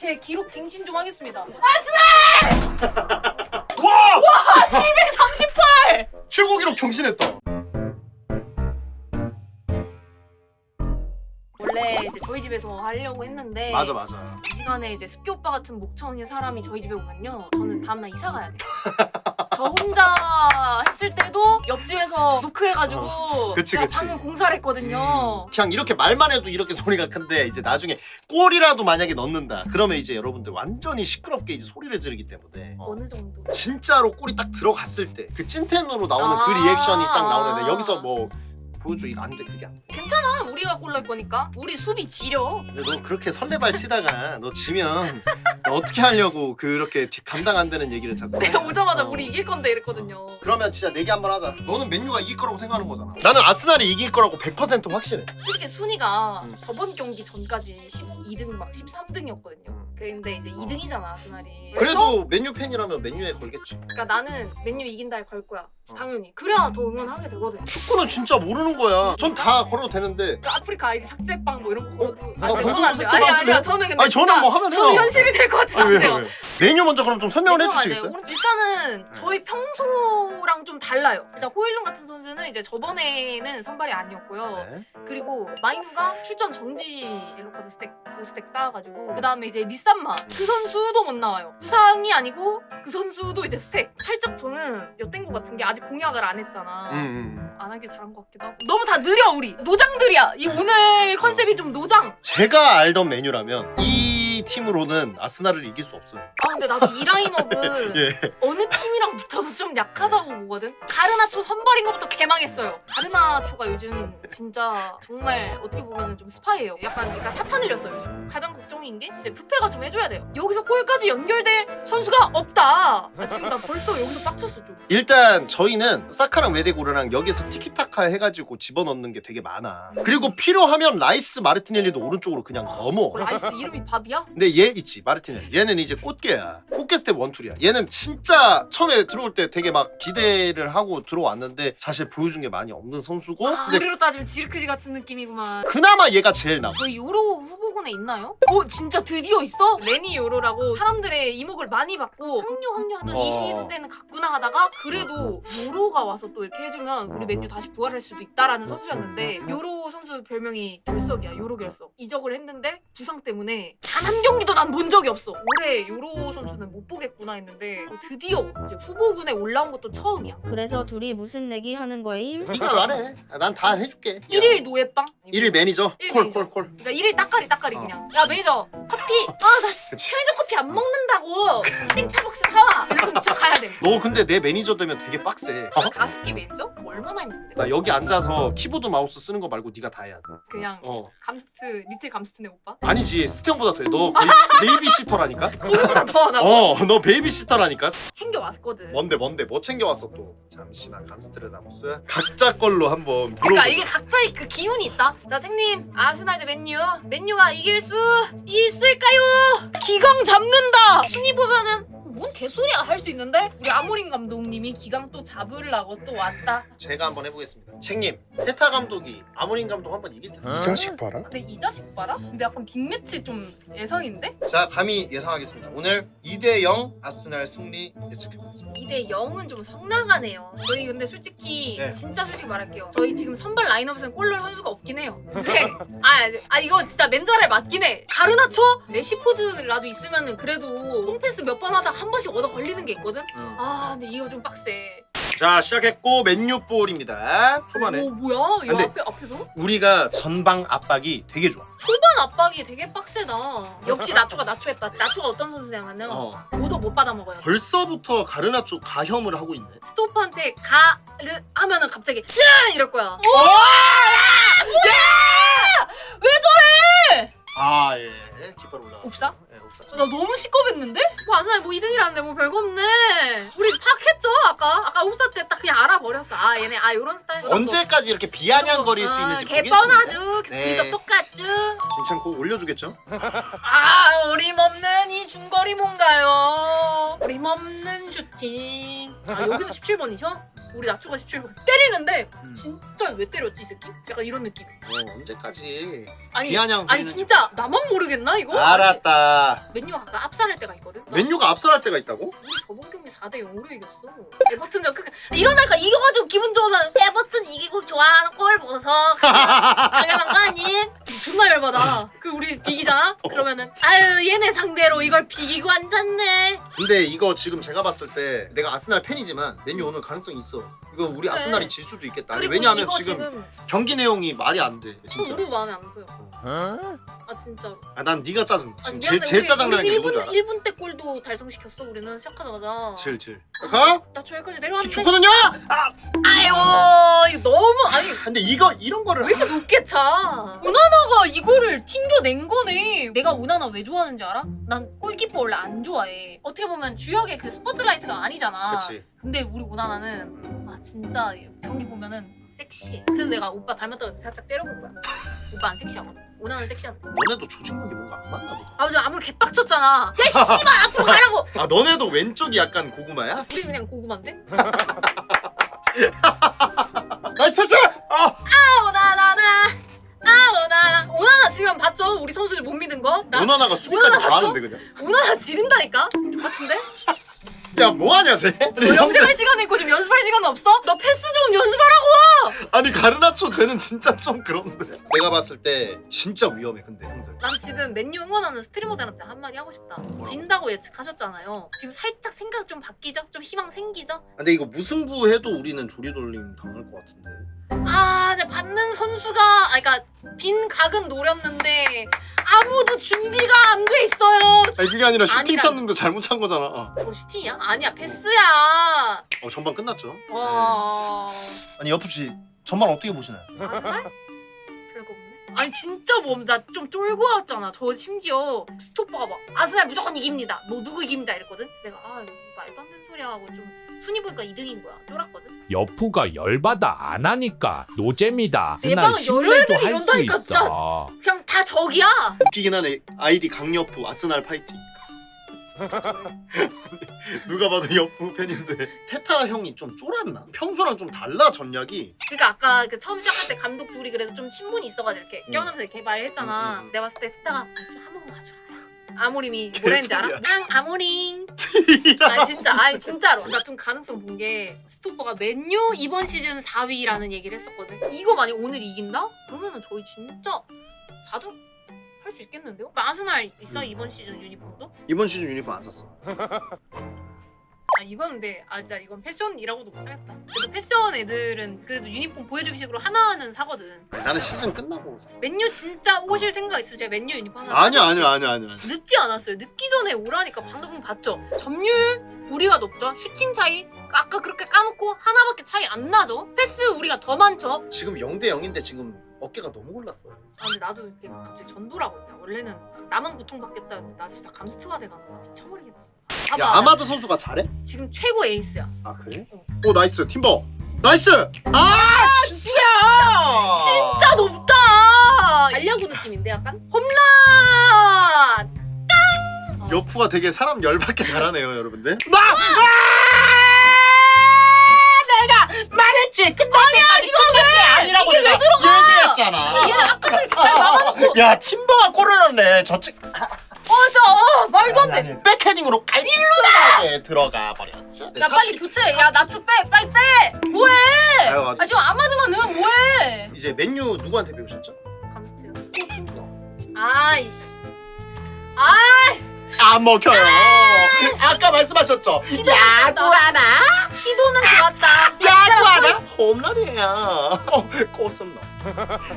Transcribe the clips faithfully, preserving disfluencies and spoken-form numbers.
제 기록 갱신 좀 하겠습니다. 와! 와 칠백삼십팔! 최고 기록 경신했다. 원래 이제 저희 집에서 하려고 했는데 맞아 맞아. 이 시간에 이제 습기 오빠 같은 목청의 사람이 저희 집에 오면요 저는 다음날 이사 가야 돼요. 저 혼자 했을 때도 옆집에서 노크해가지고 어, 그치, 제가 그치. 방금 공사를 했거든요. 그냥 이렇게 말만 해도 이렇게 소리가 큰데 이제 나중에 골이라도 만약에 넣는다 그러면 이제 여러분들 완전히 시끄럽게 이제 소리를 지르기 때문에 어. 어느 정도? 진짜로 골이 딱 들어갔을 때 그 찐텐으로 나오는 아. 그 리액션이 딱 나오는데 여기서 뭐 보여줘 이거 안돼 그게 안 돼. 괜찮아 우리가 골 넣을 거니까. 우리 수비 지려. 근데 너 그렇게 설레발 치다가 너 지면 너 어떻게 하려고 그렇게 뒤- 감당 안 되는 얘기를 자꾸 내가 해. 오자마자 어. 우리 이길 건데 이랬거든요. 그러면 진짜 내기 한번 하자. 너는 맨유가 이길 거라고 생각하는 거잖아. 나는 아스날이 이길 거라고 백 퍼센트 확신해. 솔직히 순위가 음. 저번 경기 전까지 십이 등 막 십삼 등이었거든요. 근데 이제 이 등이잖아 아스날이. 그래도 맨유 팬이라면 맨유에 걸겠지. 그러니까 나는 맨유 이긴다에 걸 거야. 당연히. 그래야 더 응원하게 되거든. 축구는 진짜 모르는 거야. 전 다 걸어도 되는데. 그러니까 아프리카 아이디 삭제빵 뭐 이런 거 걸어도. 어, 아니, 벌써 저는 안 돼요. 삭제 아니 하실래요? 아니요 저는 근데 아니 저는 진짜 뭐 하면 저는 해요. 현실이 될 것 같아서 아니, 안 돼요. 왜요, 왜요? 메뉴 먼저 그럼 좀 설명을 맨유가 해주시겠어요? 맞아요. 오른쪽- 일단은 저희 평소랑 좀 달라요. 일단 호일룬 같은 선수는 이제 저번에는 선발이 아니었고요. 네. 그리고 마이누가 출전 정지 옐로카드 스택 오 스택 쌓아가지고 그 다음에 이제 리산마 그 선수도 못 나와요. 부상이 아니고 그 선수도 이제 스택. 살짝 저는 엿된 것 같은 게 아직 공약을 안 했잖아. 음, 음. 안 하길 잘한 것 같기도 하고. 너무 다 느려 우리. 노장들이야. 이 오늘 컨셉이 좀 노장. 제가 알던 메뉴라면 이 팀으로는 아스날을 이길 수 없어요. 아 근데 나도 이 라인업은 예. 어느 팀이랑 붙어도 좀 약하다고 보거든. 가르나초 선발인 것부터 개망했어요. 가르나초가 요즘 진짜 정말 어떻게 보면 좀 스파이예요. 약간 그러니까 사탄 흘렸어요 요즘. 가장 걱정인 게 이제 부패가 좀 해줘야 돼요. 여기서 골까지 연결될 선수가 없다. 아, 지금 나 벌써 여기서 빡쳤어 좀. 일단 저희는 사카랑 웨데고르랑 여기서 티키타카 해가지고 집어넣는 게 되게 많아. 그리고 필요하면 라이스 마르티넬리도 오른쪽으로 그냥 넘어. 라이스 이름이 밥이야? 근데 얘 있지 마르티넬리. 얘는 이제 꽃게야. 꽃게 스텝 원툴이야. 얘는 진짜 처음에 들어올 때 되게 막 기대를 하고 들어왔는데 사실 보여준 게 많이 없는 선수고. 아, 근데 우리로 따지면 지르크지 같은 느낌이구만. 그나마 얘가 제일 나. 저희 요로 후보군에 있나요? 어 진짜 드디어 있어? 레니 요로라고 사람들의 이목을 많이 받고 확류 확류 하던 이 어. 시대는 갔구나 하다가 그래도 요로가 와서 또 이렇게 해주면 우리 맨유 다시 부활할 수도 있다라는 선수였는데 요로 선수 별명이 결석이야. 요로 결석. 이적을 했는데 부상 때문에 단 한 경기도 난 본 적이 없어. 올해 요로 선수는 못 보겠구나 했는데 드디어 이제 후보군에 올라온 것도 처음이야. 그래서 둘이 무슨 내기 하는 거임? 네가 말해. 난 다 해줄게. 일일 노예빵? 일일 매니저. 일 콜 매니저. 콜 콜. 그러니까 일일 따까리 따까리 어. 그냥. 야 매니저 커피. 아나 그치. 편의점 커피 안 먹는다고. 땡타박스 사와. 이러면 진짜 가야 돼. 너 근데 내 매니저 되면 되게 빡세. 어? 가습기 매니저? 뭐 얼마나 힘든데? 나 여기 앉아서 키보드 마우스 쓰는 거 말고 네가 다 해야 돼. 그냥 어. 감스트 리틀 감스트네 오빠? 아니지 스티형보다 돼. 너 거의 베이비시터라니까? 거기보다 더 하나? 어, 너 베이비시터라니까? 챙겨 왔거든. 뭔데 뭔데 뭐 챙겨왔어 또? 잠시만 감스트레다무스 각자 걸로 한번 그러니까 물어보자. 이게 각자의 그 기운이 있다. 자, 책님 아스날 대 맨유. 맨유가 이길 수 있을까요? 기강 잡는다. 순위 보면은 뭔 개소리야 할 수 있는데 우리 아모린 감독님이 기강 또 잡으려고 또 왔다. 제가 한번 해보겠습니다. 책님 페타 감독이 아모린 감독 한번 이길 텐데. 이 자식 봐라. 근데 이 자식 봐라. 근데 약간 빅매치 좀 예상인데? 자 감히 예상하겠습니다. 오늘 이 대 영 아스날 승리 예측해보겠습니다. 이 대 영은 좀 성나가네요. 저희 근데 솔직히 네. 진짜 솔직히 말할게요. 저희 지금 선발 라인업에서는 골 넣을 선수가 없긴 해요. 근데 아, 아 이거 진짜 맨자랄 맞긴 해. 가르나초? 레시포드라도 있으면은 그래도 홈패스 몇 번 하다가 한 번씩 얻어 걸리는 게 있거든? 응. 아 근데 이거 좀 빡세. 자 시작했고 맨유 볼입니다. 초반에 오 뭐야? 이 근데- 앞에, 앞에서? 우리가 전방 압박이 되게 좋아. 초반 압박이 되게 빡세다. 역시 나초가 나초했다. 나초가 어떤 선수냐면요. 어. 오도 못 받아먹어요. 벌써부터 가르나 쪽 가혐을 하고 있네. 스토퍼한테 가르 하면은 갑자기 야 이럴 거야. 오! 왜 저래? 아 예. 깃발 올라. 옵사? 예, 옵사. 나 너무 시겁했는데? 뭐 아스날 뭐 이 등이라는데 뭐 별거 없네. 우리 파악했죠 아까? 아까 옵사 때 딱 그냥 알아버렸어. 아 얘네 아 요런 스타일. 언제까지 이렇게 비아냥거릴 수 어, 있는지 개 보겠습니다. 뻔하죠. 네. 스피드 똑같죠. 진창고 올려주겠죠? 아 어림없는 이 중거리 뭔가요? 어림없는 슈팅. 아 여기도 십칠 번이셔? 우리 나초가 십칠 번 때리는데 음. 진짜 왜 때렸지 이 새끼? 약간 이런 느낌. 어, 언제까지 아니 비아냥 아니 부리는지 진짜 나만 모르겠나 이거? 알았다. 아니, 맨유가 가끔 압살할 때가 있거든. 나 맨유가 압살할 때가 있다고? 우리 저번 경기 사 대 영으로 이겼어. 에버튼전 그 이러니까 이겨가지고 기분 좋으면 에버튼 이기고 좋아하는 꼴 보서 당연한 거 아님? 존나 열받아. 그 우리 비기잖아? 그러면은 아유 얘네 상대로 이걸 비기고 앉았네. 근데 이거 지금 제가 봤을 때 내가 아스날 팬이지만 맨유 오늘 가능성이 있어. 이거 우리 그래. 아스날이 질 수도 있겠다. 아니, 그리고 왜냐하면 이거 지금, 지금 경기 내용이 말이 안 돼. 또 진짜. 우리 마음에 안 들어. 아 진짜로. 아, 난 네가 짜증. 아, 지금 미안해. 제일 제일 우리- 짜증나는 게 우리 누군지 알아? 일 분 때 골도 달성시켰어. 우리는 시작하자마자. 질 질. 가? 나 저기까지 기 내려왔는데. 좋거든요. 아, 아유 이거 너무 아니 근데 이거 이런 거를 왜 이렇게 높게 차? 우나나가 이거를 튕겨낸 거네. 내가 우나나 왜 좋아하는지 알아? 난 골키퍼 원래 안 좋아해. 어떻게 보면 주역의 그 스포트라이트가 아니잖아. 그렇지. 근데 우리 우나나는 아 진짜 경기 보면은 섹시해. 그래서 내가 오빠 닮았다고 해서 살짝 째려본 거야. 오빠 안 섹시하거든. 우나는 섹시한데. 너네도 조직력이 뭔가 안 맞나 보다. 아버지 아무리 개빡쳤잖아. 야 씨발 앞으로 가라고. 아, 너네도 왼쪽이 약간 고구마야? 우리 그냥 고구마인데? 나이스 패스! 아! 아 우나나나. 아 우나나. 우나나 지금 봤죠? 우리 선수들 못 믿는 거? 나 오나나가 수비까지 오나나 다 맞죠? 하는데 그냥. 우나나 지른다니까? 똑같은데? 야, 뭐하냐 쟤? 너 염색할 시간 있고 지금 연습할 시간 없어? 너 패스 좀 연습하라고! 아니 가르나초 쟤는 진짜 좀 그런데. 내가 봤을 때 진짜 위험해 근데 형들. 난 지금 맨유 응원하는 스트리머들한테 한마디 하고 싶다. 진다고 예측하셨잖아요. 지금 살짝 생각 좀 바뀌죠? 좀 희망 생기죠? 근데 이거 무승부 해도 우리는 조리돌림 당할 것 같은데. 아, 근데 받는 선수가 아, 그러니까 빈 각은 노렸는데 아무도 준비가 안 돼 있어요. 아니 그게 아니라 슈팅 아니라- 찼는데 잘못 찬 거잖아. 어, 저 슈팅이야? 아니야, 패스야. 어, 전반 끝났죠. 와, 아니 여프씨 전반 어떻게 보시나요? 아스날? 별거 없네. 아니 진짜 뭐 나 좀 쫄고 왔잖아. 저 심지어 스토퍼가 막 아스날 무조건 이깁니다. 뭐 누구 이깁니다 이랬거든. 그래서 내가 아 이거 말도 안 되는 소리야 하고 좀 순위 보니까 이 등인 거야. 쫄았거든. 여푸가 열받아 안 하니까 노잼이다. 내 그날 방은 여러 신뢰도 애들이 할 수 이런다니까, 진짜. 있어. 그냥 다 적이야. 웃기긴 하네. 아이디 강여프 아스날 파이팅. 누가 봐도 여프 팬인데 테타 형이 좀 쫄았나? 평소랑 좀 달라 전략이. 그러니까 아까 그 처음 시작할 때 감독 둘이 그래도 좀 친분이 있어가지고 이렇게 음. 껴안으면서 이렇게 말했잖아. 음, 음, 음. 내가 봤을 때 테타가 아씨 한 번만 와주라. 아모림이 뭐라는지 알아? 개소리야. 응 아모링. 아 진짜 아니 진짜로 나 좀 가능성 본 게 스토퍼가 맨유 이번 시즌 사 위라는 얘기를 했었거든. 이거 만약 오늘 이긴다? 그러면은 저희 진짜 사 등 할 수 있겠는데요? 아스날 있어 음. 이번 시즌 유니폼도? 이번 시즌 유니폼 안 샀어. 아 이건 근데 아 진짜 이건 패션이라고도 못하겠다. 그래도 패션 애들은 그래도 유니폼 보여주기 식으로 하나는 사거든. 아니, 나는 시즌 끝나고 사. 맨유 진짜 오실 생각 있으면 제가 맨유 유니폼 하나 아니야 아니야 아니야 아니야. 늦지 않았어요. 늦기 전에 오라니까 방금 봤죠. 점유율 우리가 높죠. 슈팅 차이 아까 그렇게 까놓고 하나밖에 차이 안 나죠. 패스 우리가 더 많죠. 지금 영 대 영인데 지금 어깨가 너무 골랐어. 아 근데 나도 이렇게 갑자기 전도라고 했냐. 원래는 나만 고통받겠다 했는데 나 진짜 감스트가 돼가나 봐. 미쳐버리겠지. 봐봐. 야 아마드 선수가 잘해? 지금 최고 에이스야. 아 그래? 어. 오 나이스 팀버. 나이스. 아 진짜. 진짜 높다. 알려구 느낌인데 약간 홈런. 여프가 되게 사람 열받게 잘하네요 여러분들. 나 말했지. 끝날 때까지 끝날 게 아니라고 이게 왜 내가 얘기했잖아. 얘는 아까도 이렇게 잘 막아놓고 야 팀버가 골을 넣네. 저쪽 맞아. 어, 말도 안 돼. 백헤딩으로 깔릴로다 들어가 버렸지. 야 빨리 교체. 야 나초 빼. 빨리 빼. 뭐해? 아유, 아 지금 아마드만 넣으면 뭐해? 이제 맨유 누구한테 배우셨죠? 감스트요. 아이씨. 아 안 먹혀요. 아까 말씀하셨죠. 야구 하나. 시도는 좋았다. 야구 하나. 홈런이야. 어, 꽃은 너.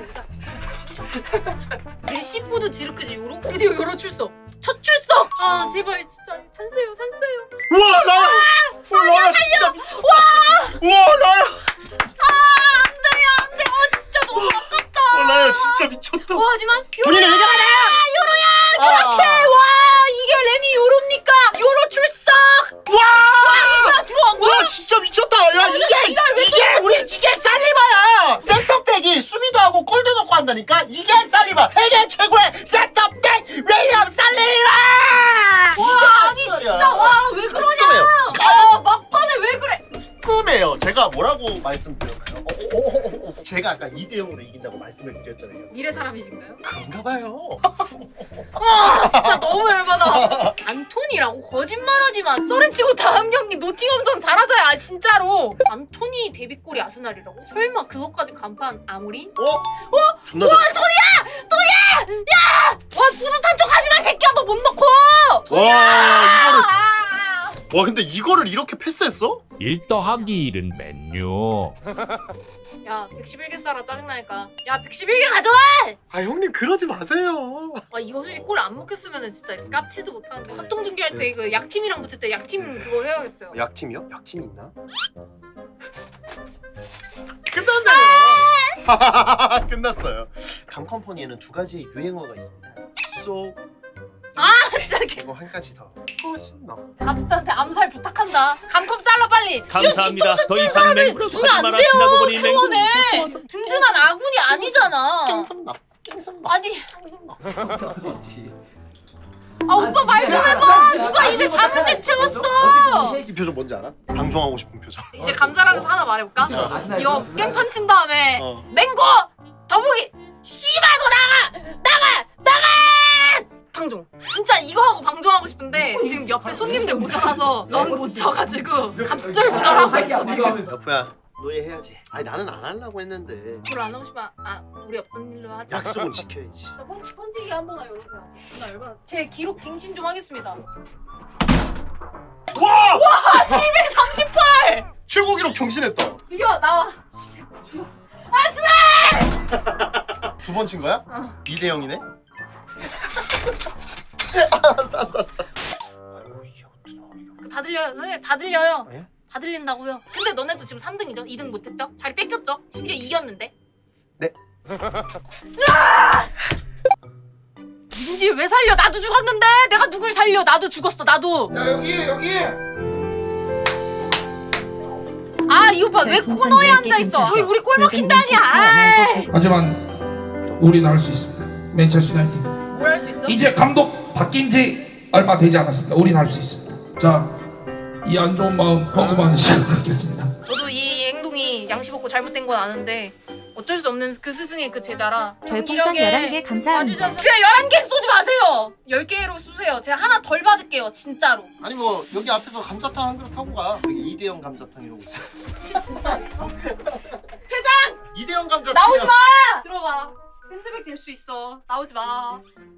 레시포드 지르크지 요로? 드디어 요로 출석. 첫 출석. 아 제발 진짜 찬스요 찬스요. 우와 나야. 우와 나야 진짜 미쳤다. 우와 나야. 아 안돼요 안돼. 아 진짜 너무 아깝다. 우와 나야 진짜 미쳤다. 와 하지만 본인이 요로야. 의견하네. 요로야. 그렇지. 와 이게 레니 요로입니까? 요로 출석. 와. 뭐야 들어간 거야? 와 진짜 미쳤다. 야 이게 이게 우리 이게 살리바야. 센터백이 수비도 하고 골도 넣고 한다니까. 이게 살리바. 세계 최고의 센터백 윌리엄 살리바. 와 아니 진짜 와 왜 그러냐? 아 막판에 왜 그래? 꿈이에요. 제가 뭐라고 말씀드렸나요? 어, 어, 어, 어, 어. 제가 아까 이 대 영으로 이긴다고 말씀을 드렸잖아요. 미래 사람이신가요? 그런가 봐요. 아 진짜 너무 열받아. 안토니라고 거짓말하지만 쏘렌치고 다음 경기 노팅엄전 잘하자야 아, 진짜로. 안토니 데뷔골이 아스날이라고? 설마 그것까지 간판 아무리? 어? 어? 존나 잘. 와 뿌듯한 척 하지마 새끼야 너 못 넣고. 와 이거를 아! 와 근데 이거를 이렇게 패스했어? 일 더하기 일은 맨유. 야 백십일 개 쏴라 짜증나니까. 야 백십일 개 가져와. 아 형님 그러지 마세요. 아 이거 솔직히 골 안 먹혔으면은 진짜 깝치도 못하는데 합동 중계할 때 그 약팀이랑 붙을 때 약팀 그거 해야겠어요. 약팀이요? 약팀이 있나? 끝났네요. 끝났어요. 감컴퍼니에는 두 가지의 유행어가 있습니다. 쏘 아 진짜 개. 그리고 한 가지 더. 호신너. 갑스타한테 암살 부탁한다. 감컴 잘라 빨리. 감사합니다. 이거 뒤통수 더 치는 이상 사람을 맹구로 두면 안 거짓말 돼요. 하시나고 보니 그거네. 맹구. 든든한 아군이 아니잖아. 깽선너. 깽선너. 아니 깽선너. 아 오빠 말 좀 해봐. 누가 입에 자물쇠 채웠어. 이 표정 뭔지 알아? 방종하고 싶은 표정. 이제 감자라면서 하나 말해볼까? 이거 깽판 친 다음에 어. 맹고 더보기 씨발 너 나가 나가 나가 방종. 진짜 이거 하고 방종하고 싶은데 지금 옆에 손님들 모자라서 너무 못 쳐가지고 갑절부절하고 있어 지금. 여프야 노예 해야지. 아니 나는 안 하려고 했는데 별로 안 하고 싶어. 아 우리 없던 일로 하자. 약속은 지켜야지. 나 펀치, 펀치기 한 번 열어주세요. 나 열받아. 제 기록 갱신 좀 하겠습니다. 와! 아 칠백삼십팔! 최고 기록 경신했다. 이거 나와. 죽였어. 두 번 친 거야? 어. 이 대 영이네. 알았어 알았어 알았어. 아이고 이게 어떡하나 이거. 다 들려요. 선생님 다 들려요. 예? 다 들린다고요. 근데 너네도 지금 삼 등이죠? 이 등 못했죠? 자리 뺏겼죠? 심지어 이겼는데? 네. 민지 왜 살려? 나도 죽었는데! 내가 누굴 살려? 나도 죽었어 나도! 야 여기 여기 아 이 오빠 왜 별풍선 코너에 열 개 앉아있어? 괜찮죠? 저기 우리 골 붉은 먹힌다니! 눈치 아이! 하지만 우리는 할 수 있습니다. 맨체스터 유나이티드 뭘 할 수 있죠? 이제 감독 바뀐 지 얼마 되지 않았습니다. 우리는 할 수 있습니다. 자, 이 안 좋은 마음 펑크만을 시작하겠습니다. 저도 이 행동이 양심 없고 잘못된 건 아는데 어쩔 수 없는 그 스승의 그 제자라 별풍선 경기력에 열한 개 감사합니다. 와주셔서 그냥 열한 개 쏘지 마세요! 열 개로 쏘세요. 제가 하나 덜 받을게요 진짜로. 아니 뭐 여기 앞에서 감자탕 한 그릇 하고 가. 여기 이 대 영 감자탕 이러고 있어. 진짜 있어? 이 대 영 감자탕. 나오지 마! 들어가. 샌드백 될 수 있어. 나오지 마.